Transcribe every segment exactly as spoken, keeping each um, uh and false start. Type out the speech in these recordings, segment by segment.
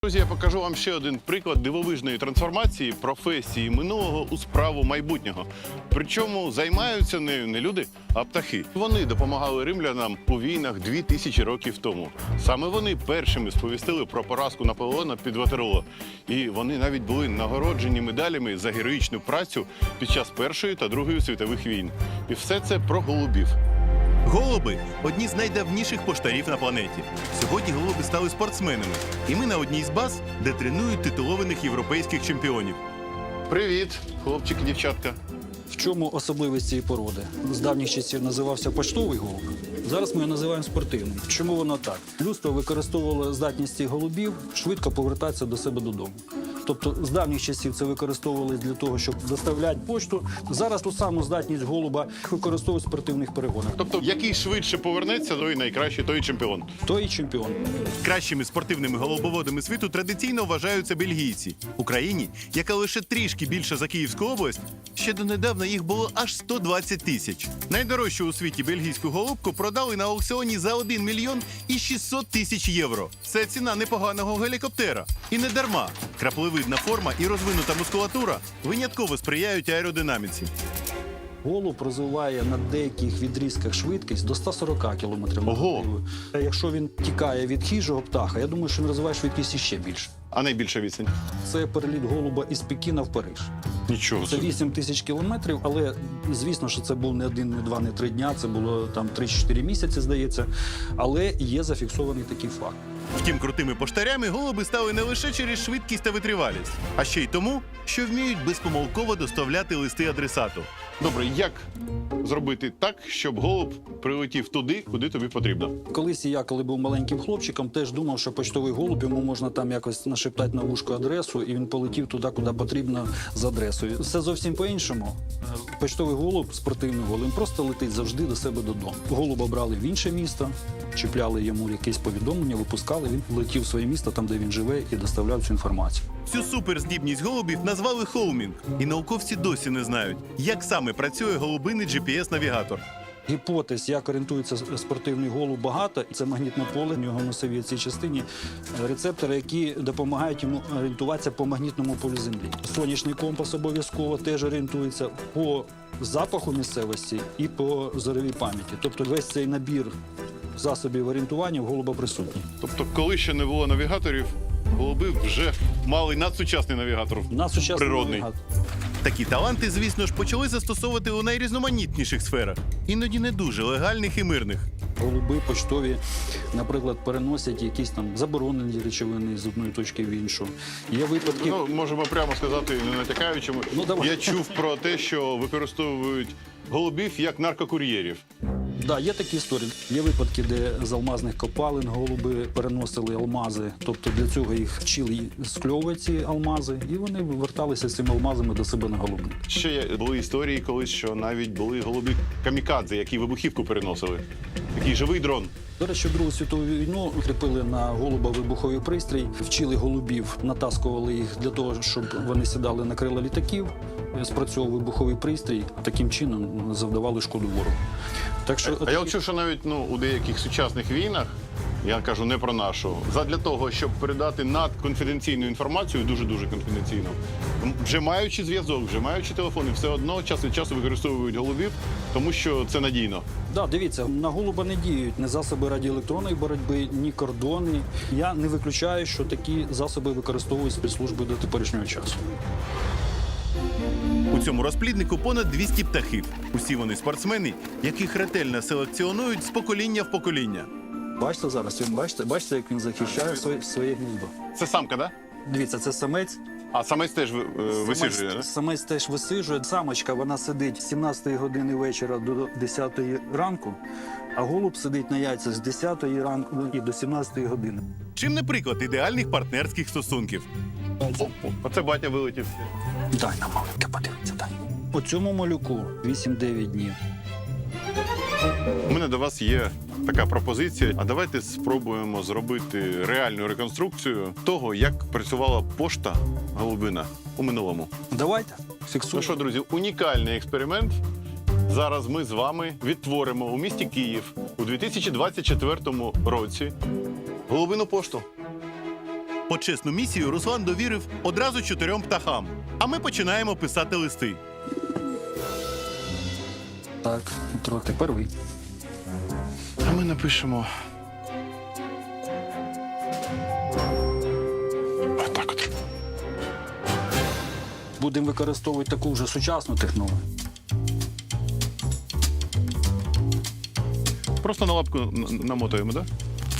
Друзі, я покажу вам ще один приклад дивовижної трансформації професії минулого у справу майбутнього. Причому займаються нею не люди, а птахи. Вони допомагали римлянам у війнах дві тисячі років тому. Саме вони першими сповістили про поразку Наполеона під Ватерлоо. І вони навіть були нагороджені медалями за героїчну працю під час Першої та Другої світових війн. І все це про голубів. Голуби – одні з найдавніших поштарів на планеті. Сьогодні голуби стали спортсменами. І ми на одній з баз, де тренують титулованих європейських чемпіонів. Привіт, хлопчики, дівчатка. В чому особливість цієї породи? З давніх часів називався поштовий голуб. Зараз ми його називаємо спортивним. Чому воно так? Людство використовувало здатність цих голубів швидко повертатися до себе додому. Тобто з давніх часів це використовували для того, щоб доставляти пошту. Зараз ту саму здатність голуба використовують в спортивних перегонах. Тобто, який швидше повернеться, той найкращий, той і чемпіон. Той і чемпіон. Кращими спортивними голубоводами світу традиційно вважаються бельгійці. В Україні, яка лише трішки більша за Київську область, ще донедавна їх було аж сто двадцять тисяч. Найдорожчу у світі бельгійську голубку продали на аукціоні за один мільйон і шістсот тисяч євро. Це ціна непоганого гелікоптера. І не дарма. Краплевидна форма і розвинута мускулатура винятково сприяють аеродинаміці. Голуб розвиває на деяких відрізках швидкість до ста сорока кілометрів на Ого! годину. Якщо він тікає від хижого птаха, я думаю, що він розвиває швидкість іще більше. А найбільша відстань? Це переліт голуба із Пекіна в Париж. Нічого Це собі. вісім тисяч кілометрів, але звісно, що це був не один, не два, не три дня, це було там три-чотири місяці, здається. Але є зафіксований такий факт. Втім, крутими поштарями голуби стали не лише через швидкість та витривалість, а ще й тому, що вміють безпомилково доставляти листи адресату. Добре, як зробити так, щоб голуб прилетів туди, куди тобі потрібно? Колись я, коли був маленьким хлопчиком, теж думав, що почтовий голуб, йому можна там якось нашептати на вушко адресу, і він полетів туди, куди потрібно з адресою. Все зовсім по-іншому. Почтовий голуб, спортивний голуб, він просто летить завжди до себе додому. Голуба брали в інше місто, чіпляли йому якесь повідомлення, випускали, він летів в своє місто, там, де він живе, і доставляв цю інформацію. Цю суперздібність голубів назвали хоумінг. І науковці досі не знають, як саме працює голубиний джі пі ес-навігатор. Гіпотез, як орієнтується спортивний голуб, багато. Це магнітне поле, в нього в носовій цій частині рецептори, які допомагають йому орієнтуватися по магнітному полю Землі. Сонячний компас обов'язково теж орієнтується по запаху місцевості і по зоровій пам'яті. Тобто весь цей набір засобів орієнтування в голуба присутній. Тобто, коли ще не було навігаторів, голуби вже мали надсучасний навігатор. На сучасний Природний. навігатор. Такі таланти, звісно ж, почали застосовувати у найрізноманітніших сферах, іноді не дуже легальних і мирних. Голуби поштові, наприклад, переносять якісь там заборонені речовини з одної точки в іншу. Є випадки. Ну, можемо прямо сказати, не натякаючи. Ну, давай. Я чув про те, що використовують голубів як наркокур'єрів. Да, є такі історії. Є випадки, де з алмазних копалин голуби переносили алмази. Тобто для цього їх вчили скльовувати ці алмази, і вони верталися з цими алмазами до себе на голубник. Ще є- були історії колись, що навіть були голуби камікадзе, які вибухівку переносили. Такий живий дрон. До речі, в Другу світову війну кріпили на голуба вибуховий пристрій, вчили голубів, натаскували їх для того, щоб вони сідали на крила літаків, спрацьовував вибуховий пристрій, таким чином завдавали шкоду ворогу. Так що А я от чув, що навіть ну, у деяких сучасних війнах, я кажу не про нашу, задля того, щоб передати надконфіденційну інформацію, дуже-дуже конфіденційну, м, вже маючи зв'язок, вже маючи телефони, все одно час від часу використовують голубів, тому що це надійно. Да, дивіться, на голуба не діють ні засоби радіоелектронної боротьби, ні кордонні. Я не виключаю, що такі засоби використовують спецслужби до теперішнього часу. У цьому розпліднику понад двісті птахів. Усі вони спортсмени, яких ретельно селекціонують з покоління в покоління. Бачите зараз, він бачите, бачите, як він захищає своє, своє гніздо. Це самка, так? Да? Дивіться, це самець. А самець теж е, висиджує, Самець, да? самець теж висиджує. Самочка, вона сидить з сімнадцятої години вечора до десятої ранку, а голуб сидить на яйцях з десятої ранку і до сімнадцятої години. Чим не приклад ідеальних партнерських стосунків. Оце батя вилетів. Дай нам маленьке, подивіться, дай. У цьому малюку вісім-дев'ять днів. У мене до вас є така пропозиція. А давайте спробуємо зробити реальну реконструкцію того, як працювала пошта голубина у минулому. Давайте, Ну фіксуємо. що, друзі, унікальний експеримент. Зараз ми з вами відтворимо у місті Київ у дві тисячі двадцять четвертому році голубину пошту. Почесну місію Руслан довірив одразу чотирьом птахам. А ми починаємо писати листи. Так, Дмитро, тепер ви. А ми напишемо. Отак от. Будемо використовувати таку вже сучасну технологію. Просто на лапку н- намотуємо, так?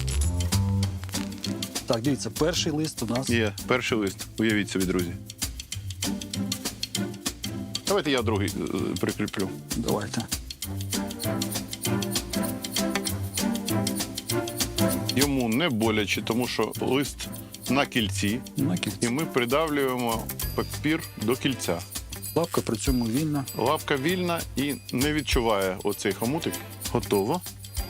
Так, дивіться, перший лист у нас. Є, перший лист. Уявіть собі, друзі. Давайте я другий е, прикріплю. Давайте. Йому не боляче, тому що лист на кільці, На і кільці. ми придавлюємо папір до кільця. Лапка при цьому вільна. Лавка вільна і не відчуває оцей хомутик. Готово.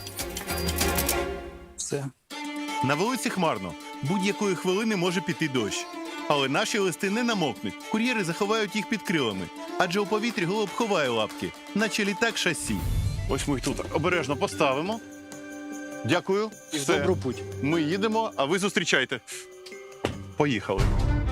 Все. На вулиці хмарно. Будь-якої хвилини може піти дощ. Але наші листи не намокнуть. Кур'єри заховають їх під крилами. Адже у повітрі голуб ховає лапки, наче літак шасі. Ось ми їх тут обережно поставимо. Дякую. І в Все. добру путь. Ми їдемо, а ви зустрічайте. Поїхали.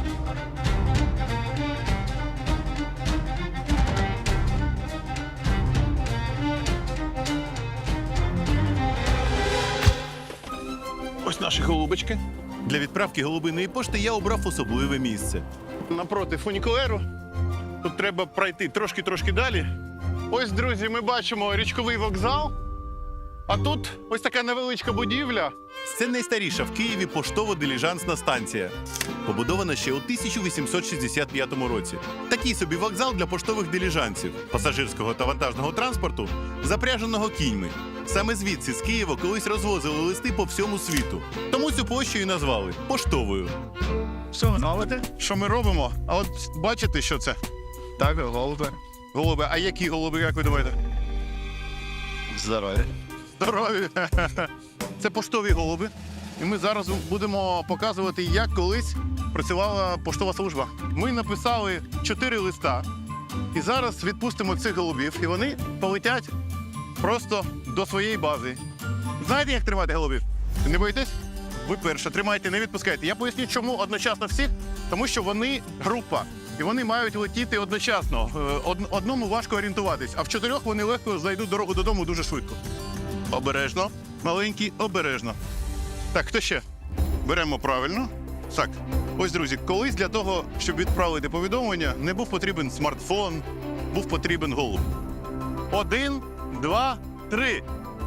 Ось наші голубочки. Для відправки голубиної пошти я обрав особливе місце. Напроти фунікулеру. Тут треба пройти трошки-трошки далі. Ось, друзі, ми бачимо річковий вокзал. А тут ось така невеличка будівля. Це найстаріша в Києві поштово-диліжансна станція. Побудована ще у тисяча вісімсот шістдесят п'ятому році. Такий собі вокзал для поштових диліжансів, пасажирського та вантажного транспорту, запряженого кіньми. Саме звідси з Києва колись розвозили листи по всьому світу. Тому цю площу і назвали поштовою. Все, знаєте, що ми робимо? А от бачите, що це? Так, голуби. Голуби. А які голуби, як ви думаєте? Здоров'я. Здорові. Це поштові голуби. І ми зараз будемо показувати, як колись працювала поштова служба. Ми написали чотири листа. І зараз відпустимо цих голубів, і вони полетять просто до своєї бази. Знаєте, як тримати голубів? Не боїтесь? Ви перше, тримайте, не відпускайте. Я поясню, чому одночасно всіх. Тому що вони група. І вони мають летіти одночасно. Е, од- Одному важко орієнтуватись, а в чотирьох вони легко знайдуть дорогу додому дуже швидко. Обережно. Маленький, обережно. Так, хто ще? Беремо правильно. Так, ось, друзі, колись для того, щоб відправити повідомлення, не був потрібен смартфон, був потрібен голуб. Один, два, три.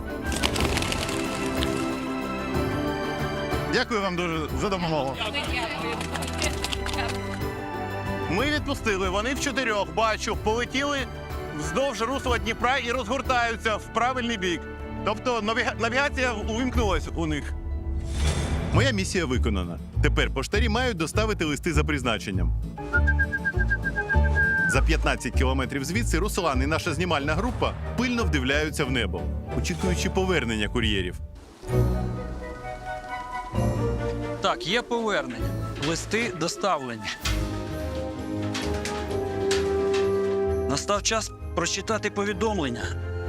Дякую вам дуже за допомогу. Ми відпустили, вони в чотирьох, бачу, полетіли вздовж русла Дніпра і розгортаються в правильний бік. Тобто навіга- навігація увімкнулась у них. Моя місія виконана. Тепер поштарі мають доставити листи за призначенням. За п'ятнадцять кілометрів звідси Руслан і наша знімальна група пильно вдивляються в небо, очікуючи повернення кур'єрів. Так, є повернення. Листи доставлені. Настав час прочитати повідомлення.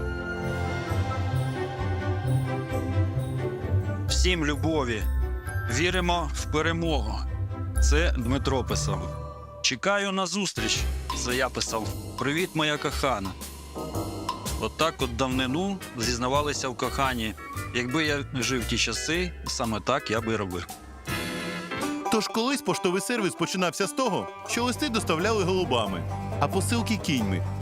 Всім любові. Віримо в перемогу. Це Дмитро писав. Чекаю на зустріч. Це я писав. Привіт, моя кохана. Отак от, от давнину зізнавалися в коханні. Якби я жив в ті часи, саме так я би робив. Тож колись поштовий сервіс починався з того, що листи доставляли голубами, а посилки кіньми.